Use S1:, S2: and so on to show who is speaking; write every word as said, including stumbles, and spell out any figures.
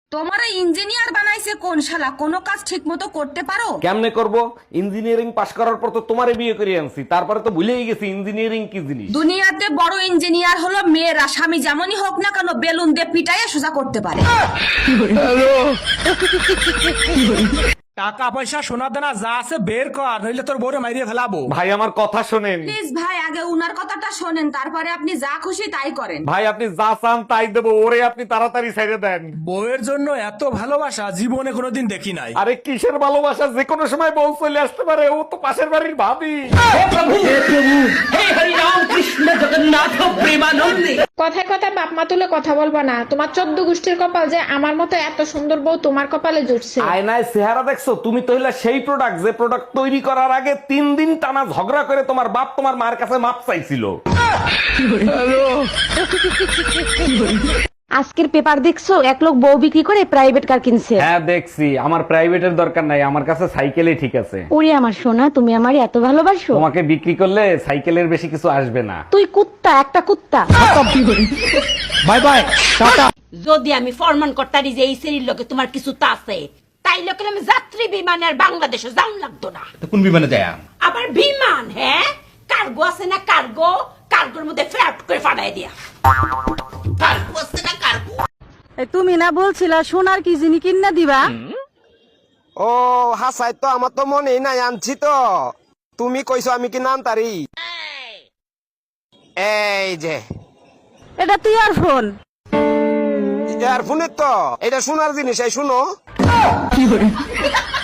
S1: তোমার ইঞ্জিনিয়ার বানাইছে কোন শালা? কোনো কাজ ঠিক মতো করতে পারো?
S2: কেমনে করব? ইঞ্জিনিয়ারিং পাশ করার পর তো তোমারে বিয়ে করে আনছি, তারপরে তো ভুলেই গেছি ইঞ্জিনিয়ারিং কি জিনিস।
S1: দুনিয়াতে বড় ইঞ্জিনিয়ার হলো মেয়েরা, স্বামী যেমনই হোক না কেন বেলুন দিয়ে পিটাইয়া সোজা করতে পারে।
S3: টাকা পয়সা সোনা দানা যা আছে বের কর, নইলে তোর বউরে মাইরিয়ে ফেলাবো।
S2: ভাই আমার কথা শোনেন।
S1: প্লিজ ভাই, আগে উনার কথাটা শোনেন, তারপরে আপনি যা খুশি তাই করেন।
S2: ভাই আপনি যা চান তাই দেবো, ওরে আপনি তাড়াতাড়ি ছেড়ে দেন।
S3: বউয়ের জন্য এত ভালোবাসা জীবনে কোনোদিন দেখি নাই।
S2: আরে কিসের ভালোবাসা, যে কোনো সময় বউ চলে আসতে পারে, ও তো পাশের বাড়ির ভাবি।
S4: কথায় কথায় বাপ মা তুলে কথা বলবা না। তোমার চোদ্দ গোষ্ঠীর কপাল যে আমার মতো এত সুন্দর বউ তোমার কপালে জুটছে।
S2: আয়নায় চেহারা দেখছো? তুমি তো হইলা সেই প্রোডাক্ট যে প্রোডাক্ট তৈরি করার আগে তিন দিন টানা ঝগড়া করে তোমার বাপ তোমার মার কাছে মাপ চাইছিল।
S5: আজকের পেপার দেখছো? এক লোক বউ বিক্রি করে প্রাইভেট কার কিনছে।
S2: হ্যাঁ দেখছি, আমার প্রাইভেটের দরকার নাই, আমার কাছে সাইকেলই ঠিক আছে।
S5: ওরে আমার সোনা, তুমি আমারে এত ভালোবাসো।
S2: তোমাকে বিক্রি করলে সাইকেলের বেশি কিছু আসবে না।
S5: তুই কুত্তা, একটা কুত্তা।
S2: Bye bye, tata.
S6: যদি আমি ফরমান করতারি যে এই শ্রেণীর লোকে তোমার কিছু তা আছে, তাই লোকের আমি যাত্রী বিমানে আর বাংলাদেশে যাওয়া লাগতো না।
S7: কোন বিমানে যায়?
S6: আবার বিমান, হ্যাঁ কার্গো আছে না, কার্গো কার্গোর মধ্যে ফ্ল্যাট করে ফাটাই দিয়া। কার্গো আছে না, কার্গো।
S5: তুমি না বলছিলা সোনার কি জিনি কিনা দিবা?
S8: ও হাসাই তো আমার তো মনেই নাই, আনছি তো। তুমি কইছো আমি কি নাম তারি? এই যে
S5: এটা তুই আর ফোন।
S8: ইয়ারফোনের তো এটা শোনার জিনিস, এই শুনো।